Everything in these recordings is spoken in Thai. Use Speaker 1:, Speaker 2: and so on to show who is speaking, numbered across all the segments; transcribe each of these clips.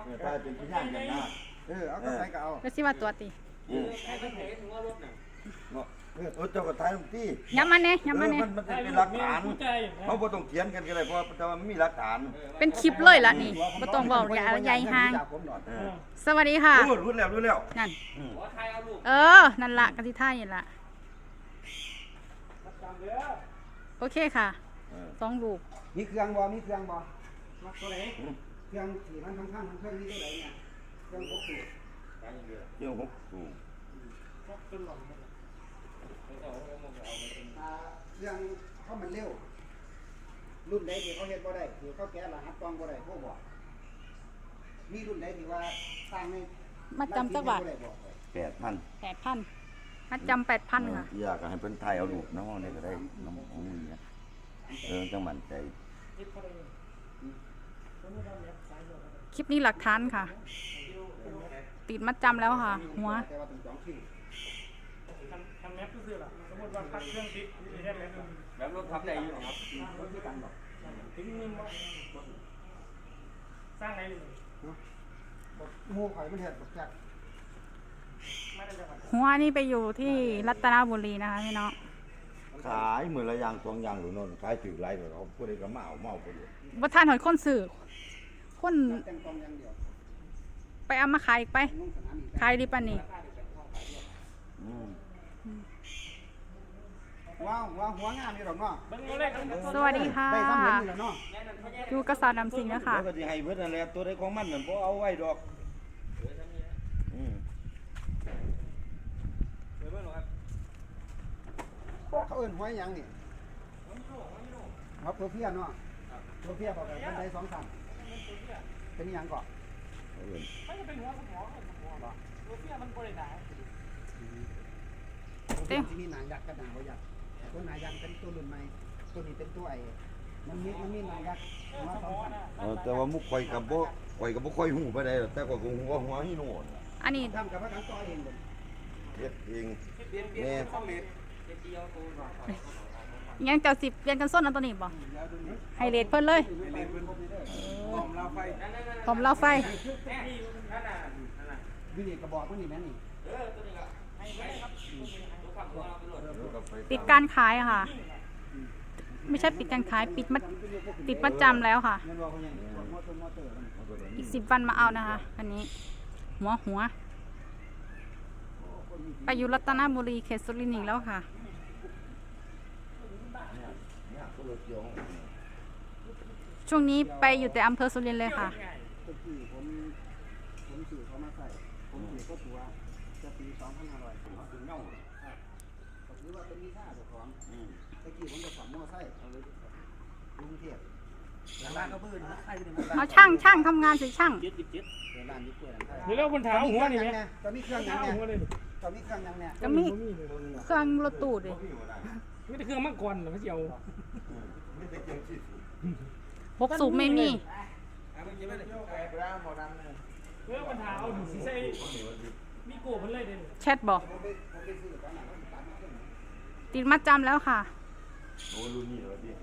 Speaker 1: ถ้าเป็นที่ย่างกันนะเอาก็ใส่ก็เอา
Speaker 2: ก็สิว่าตัวติ
Speaker 3: ให้เป็นเหตุถึงว่ารถน่ะ
Speaker 1: เจ้าก็ถ่ายลงที่
Speaker 2: ย้ำมาแน่ย้ำมาแน่
Speaker 1: มันเป็นหลักฐานเขาบ่ต้องเถียงกันก็ได้เพราะแต่ว่ามันมีหลักฐาน
Speaker 2: เป็นคลิปเลยล่ะนี่บ่ต้องเว้าใหญ่ห่างสวัสดีค่ะ
Speaker 1: รู้แล้ว
Speaker 2: นั่น
Speaker 3: ขอทายเอาลูก
Speaker 2: นั่นล่ะกะสิท่านี่ล่ะโอเคค่ะ2ลูก
Speaker 4: มีเครื่องบ่มักตัวไหนเครื่องที่มันข้างๆเครื่องนี้ตัวไหนเนี่ยเครื่อง6สูบ
Speaker 1: เดี๋ยว6สูบ
Speaker 4: เครื่องเขามันเร็วรุ่นใดที่เขาเฮ็ดบ่ได้ที่เขาแก้รหัสกล้องบ่ได้พวกบอกมีรุ่นใดที่ว่าสร้างใน
Speaker 2: มาจำจักบาท
Speaker 1: 8,000
Speaker 2: 8,000มัดจำ8,000ค่ะ
Speaker 1: อยากให้เพิ่นถ่ายเอารูปน้องนี่ก็ได้น้องของมึงเนี่ยจังมั่นใจ
Speaker 2: คลิปนี้หลักฐานค่ะ ติดมัดจำแล้วค่ะ หัว
Speaker 4: แต่ว่าต้องจองคิว
Speaker 5: ทำแมปก็คือล่ะสมมติว่าพักเครื่องติดมีแค่แมป
Speaker 3: แบบรถทับได้อยู่หรอครับ
Speaker 4: รถที่ตันบอก
Speaker 5: ถึงนึงว่าสร้างไหนเลย
Speaker 4: หมู่ข่อยมันเฮ็ดบักจัก
Speaker 5: ไม่ได้จังหวัด
Speaker 2: หัวนี่ไปอยู่ที่รัตนบุรีนะคะพี่น้อง
Speaker 1: ขายมื้อละอย่าง2อย่างหรือโน่นขายถือหลายเขาผู้ใดก็มาเอาไปเลย
Speaker 2: บ่ทานหอยคนสื่อคน
Speaker 4: แต่งกล้องอย่างเดียว
Speaker 2: ไปเอามาขายอีกไป
Speaker 4: ลงสนามอีก
Speaker 2: ขายดีปานนี้
Speaker 4: ว้าวหัวงามอยู่ดอกเนาะ
Speaker 5: เบิ้งตัวเลขกัน
Speaker 2: สวัสดีค่ะ
Speaker 4: ได้ซ้ำเห็นนี่แหละเนาะ
Speaker 2: อยู่กระสานำสิงนะคะ
Speaker 1: แล้วก็สิให้เพิ่นนั่นแหละตัวใดของมันนั่นบ่เอาไว้ดอก
Speaker 4: เขาเอิ้นหัวหยังนี่ครับตัวเพี้ยเนาะตัวเพี้ยบอกกันบันได2ชั้นเป็นหยังก่อน
Speaker 5: มันจะเป็นหัวสมองตัวเสี้ยมันบริหาร
Speaker 4: ที่มีหนังยักษ์กับหนังบ่ยักษ์ตัวหนังยักษ์เป็นตัวรุ่นใหม่ตัวนี้เป็นตัวมันมีหนังยักษ์หัว2ชั้น
Speaker 1: แต่ว่ามุกข่อยก็บ่ค่อยฮู้ปานใดแต่ก็คงฮู้ว่าหัวหิโนน
Speaker 2: อันนี้
Speaker 4: ทำกับพระกันต่อเองเลย
Speaker 1: เฮ็ดเอง
Speaker 3: เปลี่ยน
Speaker 1: แม่
Speaker 3: ข้อเม็ดเดียวตัวหรอ
Speaker 2: ยังเจ้าสิเปลี่ยนกันส้นอันตัวนี้บ่ให้เรทเพิ่นเลย
Speaker 3: ผมเราไฟ
Speaker 2: ผมเล่าไฟ
Speaker 3: นั่นน่ะ
Speaker 4: วินี่กระบอกพวกนี้แม่นี่
Speaker 3: ตัวนี้ก็ให้ไว้ครับตัวขับตัวเราไปโหลด
Speaker 2: ปิดการขายค่ะ ไม่ใช่ปิดการขายติดมัดจำแล้วค่ะ
Speaker 4: เงินบอกเขาอย่างนี้มอเตอร์
Speaker 2: อีก10 วันมาเอานะคะ อันนี้ หัวไปอยู่รัตนบุรีเขตสุรินทร์อีกแล้วค่ะ ช่วงนี้ไปอยู่แต่อำเภอสุรินทร์เลยค่ะ
Speaker 4: ตะกี้ผมสื่อเขามาใส่ผมสื่อก็ตัวจะปี2,500เขาถึงเน่าครับหรือว่าเป็นมีค่าเจ้าของตะกี้ผมจะขับมอไซค์กรุงเทพร้านก็บื้นใครเป็น
Speaker 2: เอาช่างทำงานสิช่าง
Speaker 4: ร้านนี้กล้วยหลังไทย
Speaker 5: เดี๋ยวเราบนถามหัวนี่ไหม
Speaker 4: ตอนนี้เครื่องยัง
Speaker 5: ถาม
Speaker 4: เนี่ย
Speaker 5: หัวเลย
Speaker 4: ตอนนี้เครื่องยังเนี่ย
Speaker 2: ก็มีเครื่องรถตู้ดิ
Speaker 5: ไม่ได้เครื่องมังกรหรอไม่ใช่เอา
Speaker 2: 6 สูบไม่มี
Speaker 5: เมื่อปัญหาเอาดูสิใส่มีโก้มันเลยเด่น
Speaker 2: แชทบอกติดมัดจำแล้วค่ะ
Speaker 1: โอ้รุ่นนี้เหรอพี่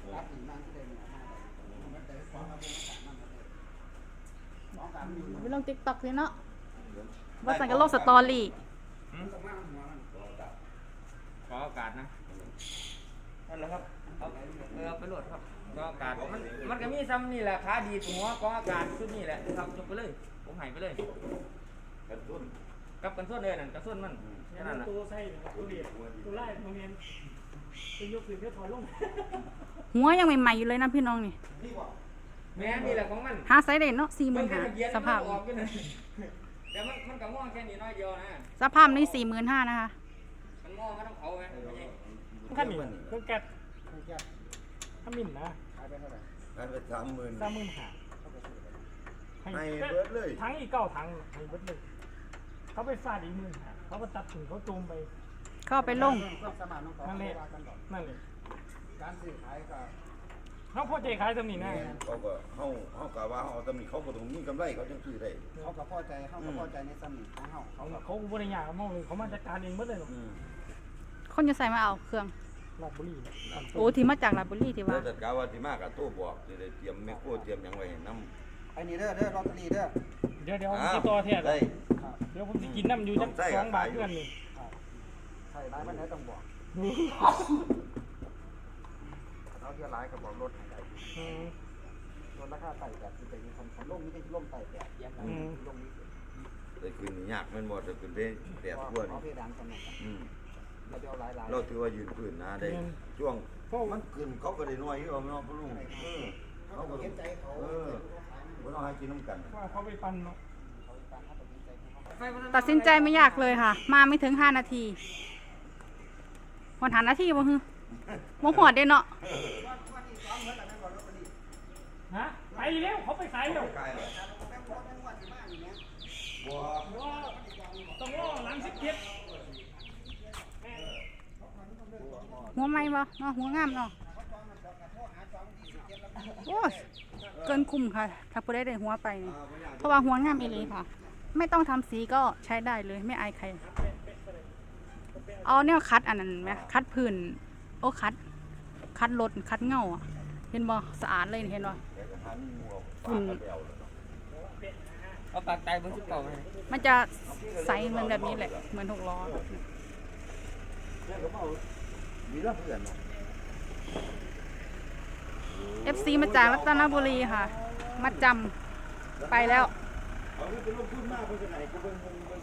Speaker 2: ไปลงติ๊กต็อกเลยเนาะว่าสั่งกับโลกสตอรี่
Speaker 3: ขออากาศนะนั่นแหละครับเอาไปโหลดครับขออากาศมันก็มีซ้ำนี่แหละขาดีหัวขออากาศชุดนี่แหละครับจบไปเลยผมหายไปเลย
Speaker 1: กระตุ้น
Speaker 3: กับกันส่วนเลยนั่นกันส่วนมันแค่นั้นแหละ
Speaker 5: ตัวใส่ตัวเดียดตัวไล่โรงเรียนเป็นยกขึ้นเพื่อถอยลง
Speaker 2: หัวยังใหม่ๆอยู่เลยนะพี่น้องนี่
Speaker 3: แม่นี่แหละของมัน
Speaker 2: หาไซส์เด่นเนาะ45,000สภาพ
Speaker 3: ออกกันเลยแต่มันกับม่วงแค่นี้น้อยเดียวนะ
Speaker 2: สภาพนี่45,000นะคะ
Speaker 3: มันม่วงก็ต้องเผาไง
Speaker 5: ขั้นนี้เครื่องแก๊สถ้ามินนะ
Speaker 4: ขายไปเท่าไหร่
Speaker 1: ขายไป30,000
Speaker 5: 35,000
Speaker 1: ให้เบิดเลย
Speaker 5: ทั้งอีก9 ถังให้เบิดเลยเขาไปฟาดอีก15,000เขาก็ตัดถึงเขาจูมไป
Speaker 2: เข้าไปลง
Speaker 4: ความสามารถของเขา
Speaker 5: นั่นแหละ
Speaker 4: ว่ากันดอก
Speaker 5: นั่นเลย
Speaker 4: การซื้อขายก็
Speaker 5: เขาพอใจขายตำหนินะ
Speaker 1: เขาก็เฮากะว่าเฮาตำนี้เขาก็ต้องมีกำไรเขาจังซื้อได้
Speaker 4: เขาก็พอใจเขาก็พอใจในสมิธของเขาเขาก็
Speaker 5: เขาบริยากเขาเลยเขามาจัดการเองหมดเลย
Speaker 2: คนจะใส่มาเอาเครื่อง
Speaker 5: ลาดบุรี
Speaker 2: โอ้ที่มาจากลาดบุรีที่ว่า
Speaker 1: แล้วแต่กะว่าสิมาก็โทรบอกสิได้เตรียมแมคโครเตรียมหยังไว้ให้นำ
Speaker 4: ไอ้นี่เด้อลอตเตอรี่เด้อ
Speaker 5: เดี๋ยวผมจะต่อแท้
Speaker 1: ได้
Speaker 5: เดี๋ยวผมจะกินน้ำอยู่จัก2 บาทเพื่อนนี่
Speaker 4: ใช่ร้ายมันไหนต้องบอกเราเที่ยวร้ายกับบอกรถให้ได้รถราคาไต่แบบที่เป็นคันล่มนี่ก็ล่มไต่แบบแยกกันล่มนี้
Speaker 1: ได้ขึ้นนี่ยากแม่นบ่จะขึ้นได้แดดทั่ว
Speaker 4: เอา
Speaker 1: นี่
Speaker 4: เพดานกันหมด เราจะเอาหลาย
Speaker 1: เราถือว่ายืนพื้นนะได้ช่วงมันขึ้นเขาก็ได้น้อยอยู่เอาเนาะพ่อลุงเขาก็
Speaker 4: เห็นใจเขา
Speaker 1: บ่ต้องให้กินน้ำกัน
Speaker 5: ว่าเขาไปปั่นเนาะ
Speaker 2: ตัดสินใจไม่ยากเลยค่ะ มาไม่ถึง5 นาทีวันหานาทีบ่ฮึบ่หอดเด้เนาะ
Speaker 5: ฮะไปเร็วเขาไปขายเร็ว
Speaker 1: ไกลเลยบ่
Speaker 5: ต้องรอหลัง17
Speaker 2: หัวไหม้บ่เนาะหัวงามเนาะโอ้ยเกินคุ้มค่ะ ถ้าผู้ใดได้หัวไปนี่เพราะว่าหัวงามอีหลีค่ะ ไม่ต้องทำสีก็ใช้ได้เลยไม่อายใคร เอาเนี่ยคัดอันนั้นไหมคัดพื้นโอ้คัดรถคัดเงาอะเห็นบ่สะอาดเลยเห็นบ่
Speaker 1: แต่ก็หามีหมู่เอาปากกันไปเอาแล้วเนาะ
Speaker 3: เอาปากไตเบอร์19มาให้
Speaker 2: มันจะใสเหมือนแบบนี้แหละเหมือน6 ล้อ
Speaker 1: เนี่ยก็เอามีละเพื่อนเนาะ
Speaker 2: FC มาจากรัตนบุรีค่ะ มาจำไปแล้ว
Speaker 1: เอาที่เป็นลงทุนมากเพิ่นจะไหนก็เบิ่ง